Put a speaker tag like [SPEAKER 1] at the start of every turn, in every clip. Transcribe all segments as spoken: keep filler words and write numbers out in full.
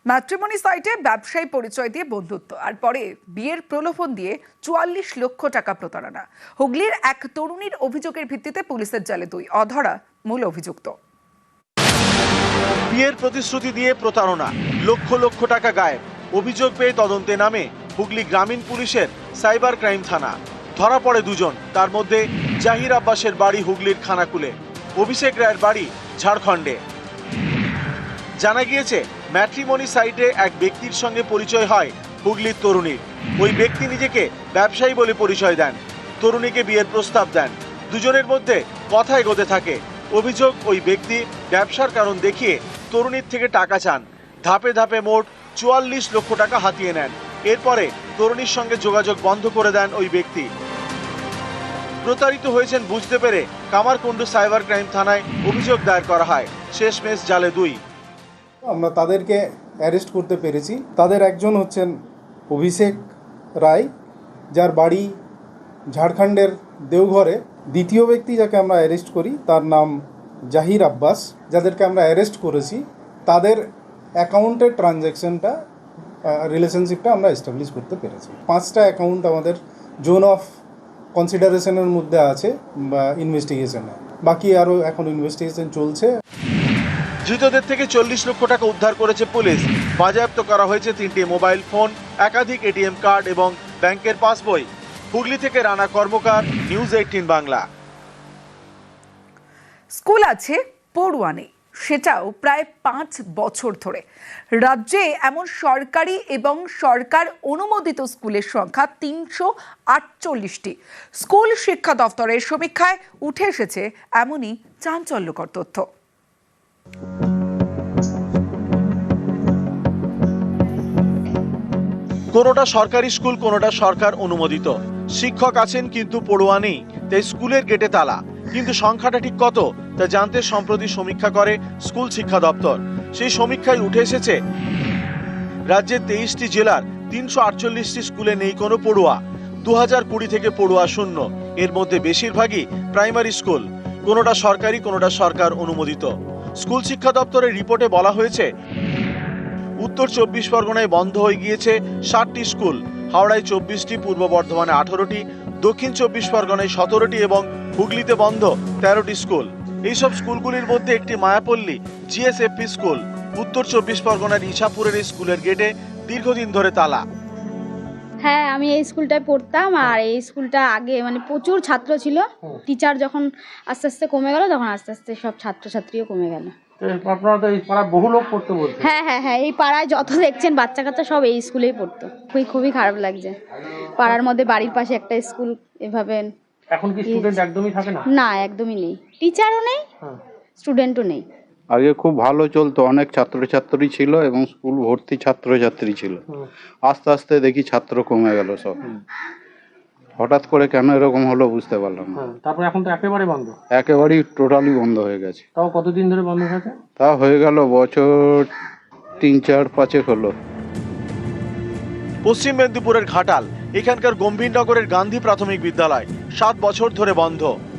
[SPEAKER 1] Matrimony সাইটে ব্যবসায়ী পরিচয় দিয়ে বন্ধুত্ব আর পরে বিয়ের প্রলোভন দিয়ে চুয়াল্লিশ লক্ষ টাকা প্রতারণা। হুগলির এক তরুণীর অভিযোগের ভিত্তিতে পুলিশের জালে দুই অধরা মূল অভিযুক্ত।
[SPEAKER 2] বিয়ের প্রতিশ্রুতি দিয়ে প্রতারণা, লক্ষ লক্ষ টাকা গায়েব। অভিযোগ পেয়ে তদন্তে নামে হুগলি গ্রামীণ পুলিশের সাইবার ক্রাইম থানা। ধরা পড়ে দুজন, তার মধ্যে জাহির আব্বাসের বাড়ি হুগলির খানাকুলে, অভিষেক রায়ের বাড়ি ঝাড়খণ্ডে। জানা গিয়েছে ম্যাট্রিমনি সাইটে এক ব্যক্তির সঙ্গে পরিচয় হয় হুগলির তরুণীর। ওই ব্যক্তি নিজেকে ব্যবসায়ী বলে পরিচয় দেন, তরুণীকে বিয়ের প্রস্তাব দেন। দুজনের মধ্যে কথা এগোতে থাকে। অভিযোগ, ওই ব্যক্তি ব্যবসার কারণ দেখিয়ে তরুণীর থেকে টাকা চান। ধাপে ধাপে মোট চুয়াল্লিশ লক্ষ টাকা হাতিয়ে নেন। এরপরে তরুণীর সঙ্গে যোগাযোগ বন্ধ করে দেন ওই ব্যক্তি। প্রতারিত হয়েছেন বুঝতে পেরে কামারকুণ্ডু সাইবার ক্রাইম থানায় অভিযোগ দায়ের করা হয়। শেষমেশ জালে দুই।
[SPEAKER 3] আমরা তাদেরকে অ্যারেস্ট করতে পেরেছি। তাদের একজন হচ্ছেন অভিষেক রায়, যার বাড়ি ঝাড়খণ্ডের দেওঘরে। দ্বিতীয় ব্যক্তি যাকে আমরা অ্যারেস্ট করি তার নাম জাহির আব্বাস। যাদেরকে আমরা অ্যারেস্ট করেছি তাদের অ্যাকাউন্টের ট্রানজ্যাকশনটা রিলেশনশিপটা আমরা এস্টাবলিশ করতে পেরেছি। পাঁচটা অ্যাকাউন্ট আমাদের জোন অফ কনসিডারেশনের মধ্যে আছে বা ইনভেস্টিগেশনে, বাকি আরও এখন ইনভেস্টিগেশন চলছে।
[SPEAKER 2] ধৃতদের থেকে চল্লিশ লক্ষ টাকা উদ্ধার করেছে পুলিশ। বাজেয়াপ্ত করা হয়েছে তিনটি মোবাইল ফোন, একাধিক এটিএম কার্ড এবং ব্যাংকের পাসবই। হুগলি থেকে Rana Karmakar, news eighteen Bangla.
[SPEAKER 1] School আছে, পড়ুয়া নেই, সেটাও প্রায় পাঁচ বছর ধরে। রাজ্যে এমন সরকারি এবং সরকার অনুমোদিত স্কুলের সংখ্যা তিনশো আটচল্লিশটি। স্কুল শিক্ষা দফতরের সমীক্ষায় উঠে এসেছে এমনই চাঞ্চল্যকর তথ্য।
[SPEAKER 2] কোনোটা সরকারি স্কুল, কোনোটা সরকার অনুমোদিত। শিক্ষক আছেন কিন্তু পড়ুয়া নেই, তাই স্কুলের গেটে তালা। কিন্তু সংখ্যাটা ঠিক কত তা জানতে সম্প্রতি সমীক্ষা করে স্কুল শিক্ষা দপ্তর। সেই সমীক্ষায় উঠে এসেছে রাজ্যের তেইশটি জেলার তিনশো আটচল্লিশটি স্কুলে নেই কোনো পড়ুয়া। দু হাজার কুড়ি থেকে পড়ুয়া শূন্য। এর মধ্যে বেশিরভাগই প্রাইমারি স্কুল, কোনোটা সরকারি, কোনোটা সরকার অনুমোদিত। স্কুল শিক্ষা দপ্তরের রিপোর্টে বলা হয়েছে উত্তর চব্বিশ পরগনায় বন্ধ হয়ে গিয়েছে ষাটটি স্কুল, হাওড়ায় চব্বিশটি, পূর্ব বর্ধমানে আঠারোটি, দক্ষিণ চব্বিশ পরগনায় সতেরোটি এবং হুগলিতে বন্ধ তেরোটি স্কুল। এইসব স্কুলগুলির মধ্যে একটি মায়াপল্লী জিএসএফপি স্কুল। উত্তর চব্বিশ পরগনার ইছাপুরের এই স্কুলের গেটে দীর্ঘদিন ধরে তালা।
[SPEAKER 4] হ্যাঁ, আমি এই স্কুলটায় পড়তাম আর এই স্কুলটা আগে মানে প্রচুর ছাত্র ছিল। টিচার যখন আস্তে আস্তে কমে গেল তখন আস্তে আস্তে সব ছাত্রছাত্রীও কমে গেল।
[SPEAKER 5] আপনারা তো এই পাড়ায় বহু লোক পড়তে বলছেন।
[SPEAKER 4] হ্যাঁ হ্যাঁ হ্যাঁ এই পাড়ায় যত দেখছেন বাচ্চা কাচ্চা সব এই স্কুলেই পড়তো। খুবই খুবই খারাপ লাগছে। পাড়ার মধ্যে বাড়ির পাশে একটা স্কুল এভাবে।
[SPEAKER 5] এখন কি স্টুডেন্ট একদমই থাকে না?
[SPEAKER 4] না, একদমই নেই। টিচারও নেই, স্টুডেন্টও নেই।
[SPEAKER 6] আগে খুব ভালো চলতো, অনেক ছাত্রছাত্রী ছিল এবং স্কুল ভর্তি ছাত্রছাত্রী ছিল। আস্তে আস্তে দেখি ছাত্র কমে গেল সব। হঠাৎ করে কেন এরকম হলো বুঝতে পারলাম না।
[SPEAKER 5] তারপরে এখন তো একেবারে বন্ধ।
[SPEAKER 6] একেবারেই টোটালি বন্ধ হয়ে গেছে।
[SPEAKER 5] তাও কতদিন ধরে বন্ধ হয়েছে?
[SPEAKER 6] তা হয়ে গেল বছর তিন চার পাঁচেক হলো।
[SPEAKER 2] পশ্চিম মেদিনীপুরের ঘাটাল, এখানকার গম্ভীরনগরের গান্ধী প্রাথমিক বিদ্যালয় সাত বছর ধরে বন্ধ।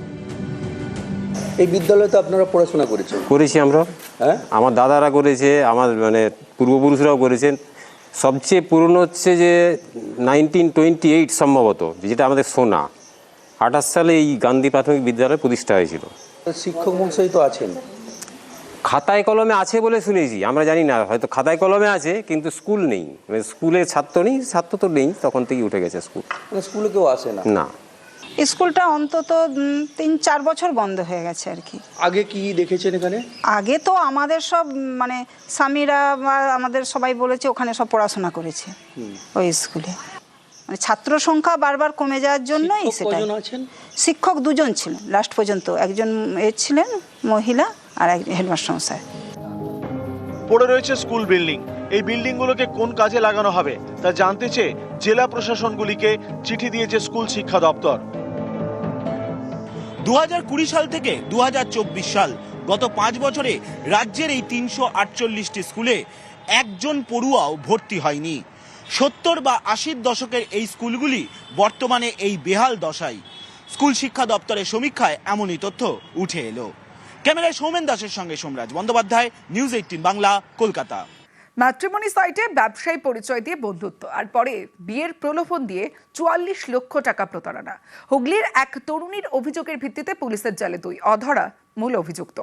[SPEAKER 7] এই বিদ্যালয়ে তো আপনারা পড়াশোনা করেছেন?
[SPEAKER 8] করেছি আমরা,
[SPEAKER 7] হ্যাঁ,
[SPEAKER 8] আমার দাদারা করেছে, আমার মানে পূর্বপুরুষরাও করেছেন। সবচেয়ে পুরনো হচ্ছে যে নাইনটিন টোয়েন্টি এইট সম্ভবত, যেটা আমাদের সোনা। আঠাশ সালে এই গান্ধী প্রাথমিক বিদ্যালয় প্রতিষ্ঠা হয়েছিল।
[SPEAKER 7] শিক্ষক মহাশয় তো আছেন,
[SPEAKER 8] খাতায় কলমে আছে বলে শুনেছি, আমরা জানি না, হয়তো খাতায় কলমে আছে কিন্তু স্কুল নেই, মানে স্কুলে ছাত্র নেই, ছাত্র তো নেই, তখন থেকে উঠে গেছে স্কুল।
[SPEAKER 7] মানে স্কুলে কেউ আসে না?
[SPEAKER 8] না,
[SPEAKER 9] স্কুলটা অন্তত তিন চার বছর বন্ধ হয়ে গেছে আর কি।
[SPEAKER 7] আগে কি দেখেছেন এখানে?
[SPEAKER 9] আগে তো আমাদের সব মানে স্বামীরা বা আমাদের সবাই বলেছে ওখানে সব পড়াশোনা করেছে ওই স্কুলে। মানে ছাত্র সংখ্যা বারবার কমে যাওয়ার জন্যই সেটা। শিক্ষক দুজন ছিলেন লাস্ট পর্যন্ত, একজন এ ছিলেন মহিলা আর এক হেডমাস্টার মশাই।
[SPEAKER 2] পড়ে রয়েছে স্কুল বিল্ডিং। এই বিল্ডিংগুলোকে কোন কাজে লাগানো হবে তা জানতে চেয়ে জেলা প্রশাসনগুলিকে চিঠি দিয়েছে স্কুল শিক্ষা দপ্তর।
[SPEAKER 10] দু হাজার কুড়ি সাল থেকে দু হাজার চব্বিশ সাল, গত পাঁচ বছরে রাজ্যের এই তিনশো আটচল্লিশটি স্কুলে একজন পড়ুয়াও ভর্তি হয়নি। সত্তর বা আশির দশকের এই স্কুলগুলি বর্তমানে এই বেহাল দশায়। স্কুল শিক্ষা দপ্তরের সমীক্ষায় এমনই তথ্য উঠে এলো। ক্যামেরায় সৌমেন দাসের সঙ্গে Somraj Bandyopadhyay, news eighteen Bangla, Kolkata.
[SPEAKER 1] Matrimony সাইটে ব্যবসায়ী পরিচয় দিয়ে বন্ধুত্ব আর পরে বিয়ের প্রলোভন দিয়ে চুয়াল্লিশ লক্ষ টাকা প্রতারণা। হুগলির এক তরুণীর অভিযোগের ভিত্তিতে পুলিশের জালে দুই অধরা মূল অভিযুক্ত।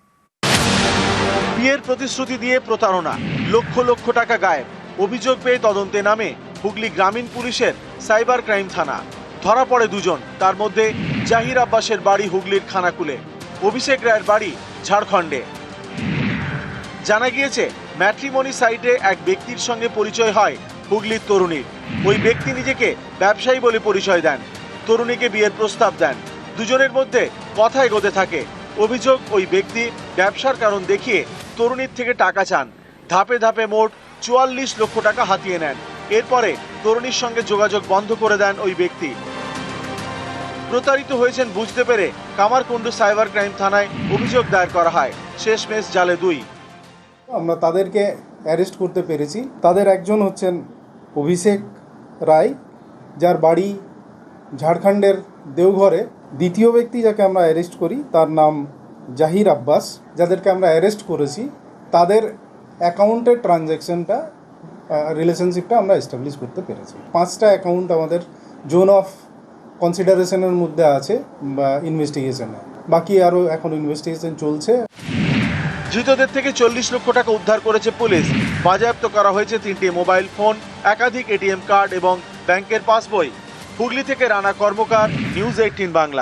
[SPEAKER 2] বিয়ের প্রতিশ্রুতি দিয়ে প্রতারণা, লক্ষ লক্ষ টাকা গায়েব। অভিযোগ পেয়ে তদন্তে নামে হুগলি গ্রামীণ পুলিশের সাইবার ক্রাইম থানা। ধরা পড়ে দুজন, তার মধ্যে জাহির আব্বাসের বাড়ি হুগলির খানাকুলে, অভিষেক রায়ের বাড়ি ঝাড়খণ্ডে। জানা গিয়েছে ম্যাট্রিমনি সাইটে এক ব্যক্তির সঙ্গে পরিচয় হয় হুগলির তরুণীর। ওই ব্যক্তি নিজেকে ব্যবসায়ী বলে পরিচয় দেন, তরুণীকে বিয়ের প্রস্তাব দেন। দুজনের মধ্যে কথা এগোতে থাকে। অভিযোগ, ওই ব্যক্তি ব্যবসার কারণ দেখিয়ে তরুণীর থেকে টাকা চান। ধাপে ধাপে মোট চুয়াল্লিশ লক্ষ টাকা হাতিয়ে নেন। এরপরে তরুণীর সঙ্গে যোগাযোগ বন্ধ করে দেন ওই ব্যক্তি। প্রতারিত হয়েছেন বুঝতে পেরে কামারকুণ্ডু সাইবার ক্রাইম থানায় অভিযোগ দায়ের করা হয়। শেষমেশ জালে দুই।
[SPEAKER 3] আমরা তাদেরকে অ্যারেস্ট করতে পেরেছি। তাদের একজন হচ্ছেন অভিষেক রায়, যার বাড়ি ঝাড়খণ্ডের দেওঘরে। দ্বিতীয় ব্যক্তি যাকে আমরা অ্যারেস্ট করি তার নাম জাহির আব্বাস। যাদেরকে আমরা অ্যারেস্ট করেছি তাদের অ্যাকাউন্টের ট্রানজ্যাকশনটা রিলেশনশিপটা আমরা এস্টাবলিশ করতে পেরেছি। পাঁচটা অ্যাকাউন্ট আমাদের জোন অফ কনসিডারেশনের মধ্যে আছে বা ইনভেস্টিগেশনে, বাকি আরও এখন ইনভেস্টিগেশন চলছে।
[SPEAKER 2] ধৃতদের থেকে চল্লিশ লক্ষ টাকা উদ্ধার করেছে পুলিশ। বাজেয়াপ্ত করা হয়েছে তিনটি মোবাইল ফোন, একাধিক এটিএম কার্ড এবং ব্যাংকের পাসবই। হুগলি থেকে Rana Karmakar, news eighteen Bangla.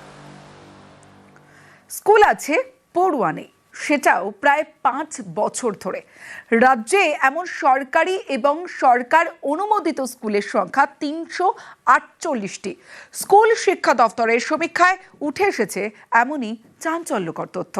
[SPEAKER 1] School আছে, পড়ুয়া নেই, সেটাও প্রায় পাঁচ বছর ধরে। রাজ্যে এমন সরকারি এবং সরকার অনুমোদিত স্কুলের সংখ্যা তিনশো আটচল্লিশটি। স্কুল শিক্ষা দফতরের সমীক্ষায় উঠে এসেছে এমনই চাঞ্চল্যকর তথ্য।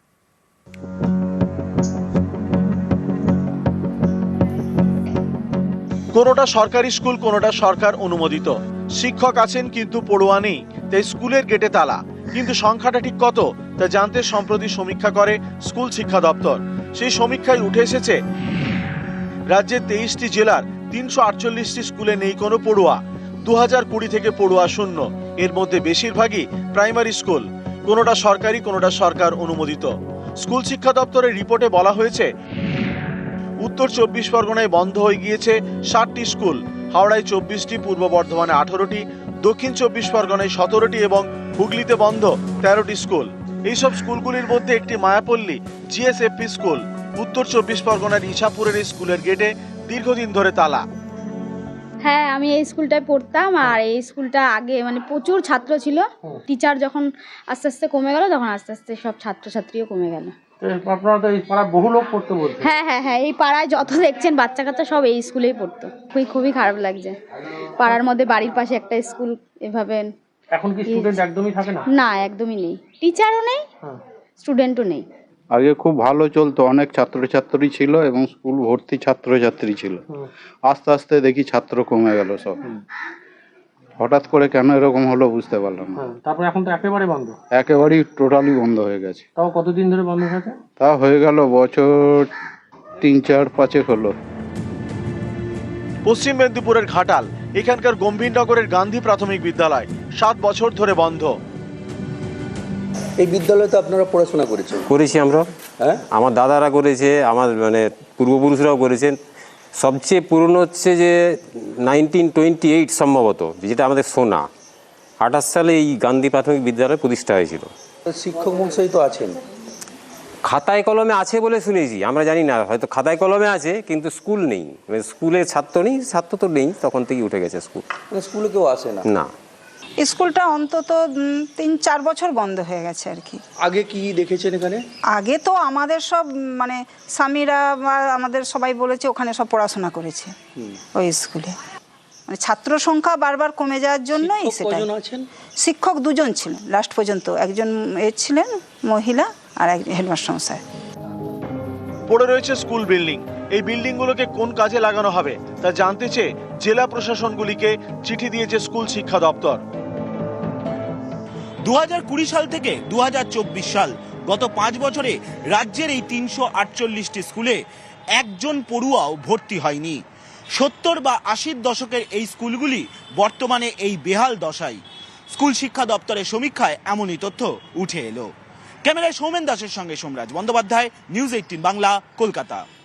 [SPEAKER 2] কোনোটা সরকারি স্কুল, কোনোটা সরকার অনুমোদিত। শিক্ষক আছেন কিন্তু পড়ুয়া নেই, তাই স্কুলের গেটে তালা। কিন্তু সংখ্যাটা ঠিক কত তা জানতে সম্প্রতি সমীক্ষা করে স্কুল শিক্ষা দপ্তর। সেই সমীক্ষায় উঠে এসেছে রাজ্যের তেইশটি জেলার তিনশো আটচল্লিশটি স্কুলে নেই কোনো পড়ুয়া। দু হাজার কুড়ি থেকে পড়ুয়া শূন্য। এর মধ্যে বেশিরভাগই প্রাইমারি স্কুল, কোনোটা সরকারি, কোনোটা সরকার অনুমোদিত। স্কুল শিক্ষা দপ্তরের রিপোর্টে বলা হয়েছে উত্তর চব্বিশ পরগনায় বন্ধ হয়ে গিয়েছে ষাটটি স্কুল, হাওড়ায় চব্বিশটি, পূর্ব বর্ধমানে আঠারোটি, দক্ষিণ চব্বিশ পরগনায় সতেরোটি এবং হুগলিতে বন্ধ তেরোটি স্কুল। এইসব স্কুলগুলির মধ্যে একটি মায়াপল্লী জিএসএফপি স্কুল। উত্তর চব্বিশ পরগনার ইছাপুরের এই স্কুলের গেটে দীর্ঘদিন ধরে তালা।
[SPEAKER 4] হ্যাঁ, আমি এই স্কুলটায় পড়তাম আর এই স্কুলটা আগে মানে প্রচুর ছাত্র ছিল। টিচার যখন আস্তে আস্তে কমে গেল তখন আস্তে আস্তে সব ছাত্রছাত্রীও কমে গেল।
[SPEAKER 5] আপনারা তো এই পাড়ায় বহু লোক পড়তে বলছে।
[SPEAKER 4] হ্যাঁ হ্যাঁ হ্যাঁ এই পাড়ায় যত দেখছেন বাচ্চা কাচ্চা সব এই স্কুলেই পড়তো। খুবই খুবই খারাপ লাগছে। পাড়ার মধ্যে বাড়ির পাশে একটা স্কুল এভাবে।
[SPEAKER 5] এখন কি স্টুডেন্ট একদমই থাকে না?
[SPEAKER 4] না, একদমই নেই। টিচারও নেই, স্টুডেন্টও নেই।
[SPEAKER 6] আগে খুব ভালো চলতো, অনেক ছাত্রছাত্রী ছিল এবং স্কুল ভর্তি ছাত্রছাত্রী ছিল। আস্তে আস্তে দেখি ছাত্র কমে গেল সব। হঠাৎ করে কেন এরকম হলো বুঝতে পারলাম না।
[SPEAKER 5] তারপরে এখন তো একেবারে বন্ধ,
[SPEAKER 6] একেবারেই টোটালি বন্ধ হয়ে গেছে।
[SPEAKER 5] তাও কতদিন ধরে বন্ধ হয়েছে?
[SPEAKER 6] তা হয়ে গেল বছর তিন চার পাঁচেক হলো।
[SPEAKER 2] পশ্চিম মেদিনীপুরের ঘাটাল, এখানকার গম্ভীরনগরের গান্ধী প্রাথমিক বিদ্যালয় সাত বছর ধরে বন্ধ।
[SPEAKER 7] এই বিদ্যালয়ে তো আপনারা পড়াশোনা করেছেন।
[SPEAKER 8] করেছি আমরা,
[SPEAKER 7] হ্যাঁ,
[SPEAKER 8] আমার দাদারা করেছে, আমার মানে পূর্বপুরুষরাও করেছেন। সবচেয়ে পুরনো হচ্ছে যে নাইনটিন টোয়েন্টি এইট সম্ভবত, যেটা আমাদের সোনা। আঠাশ সালে এই গান্ধী প্রাথমিক বিদ্যালয় প্রতিষ্ঠা হয়েছিল।
[SPEAKER 7] শিক্ষক মহাশয় তো আছেন।
[SPEAKER 8] খাতায় কলমে আছে বলে শুনেছি, আমরা জানি না, হয়তো খাতায় কলমে আছে কিন্তু স্কুল নেই। মানে স্কুলে ছাত্র নেই, ছাত্র তো নেই, তখন থেকে উঠে গেছে স্কুল।
[SPEAKER 7] মানে স্কুলে কেউ আসে না?
[SPEAKER 8] না,
[SPEAKER 9] স্কুলটা অন্তত উম, তিন চার বছর বন্ধ হয়ে গেছে আর কি।
[SPEAKER 7] আগে কি দেখেছেন এখানে?
[SPEAKER 9] আগে তো আমাদের সব উম, মানে স্বামীরা বা আমাদের সবাই বলেছে ওখানে সব পড়াশোনা করেছে ওই স্কুলে। মানে ছাত্র সংখ্যা বারবার কমে যাওয়ার জন্যই সেটা।
[SPEAKER 7] কজন আছেন?
[SPEAKER 9] শিক্ষক দুজন ছিলেন লাস্ট পর্যন্ত, একজন এ ছিলেন মহিলা আর এক হেডমাস্টার মশাই।
[SPEAKER 2] পড়ে রয়েছে স্কুল বিল্ডিং। এই বিল্ডিংগুলোকে কোন কাজে লাগানো হবে তা জানতে চেয়ে জেলা প্রশাসনগুলিকে চিঠি দিয়েছে স্কুল শিক্ষা দপ্তর।
[SPEAKER 10] দু হাজার কুড়ি সাল থেকে দু হাজার চব্বিশ সাল, গত পাঁচ বছরে রাজ্যের এই তিনশো আটচল্লিশটি স্কুলে একজন পড়ুয়াও ভর্তি হয়নি। সত্তর বা আশির দশকের এই স্কুলগুলি বর্তমানে এই বেহাল দশায়। স্কুল শিক্ষা দপ্তরের সমীক্ষায় এমনই তথ্য উঠে এলো। ক্যামেরায় সৌমেন দাসের সঙ্গে সোমরাজ বন্দ্যোপাধ্যায়, নিউজ এইটিন বাংলা, কলকাতা।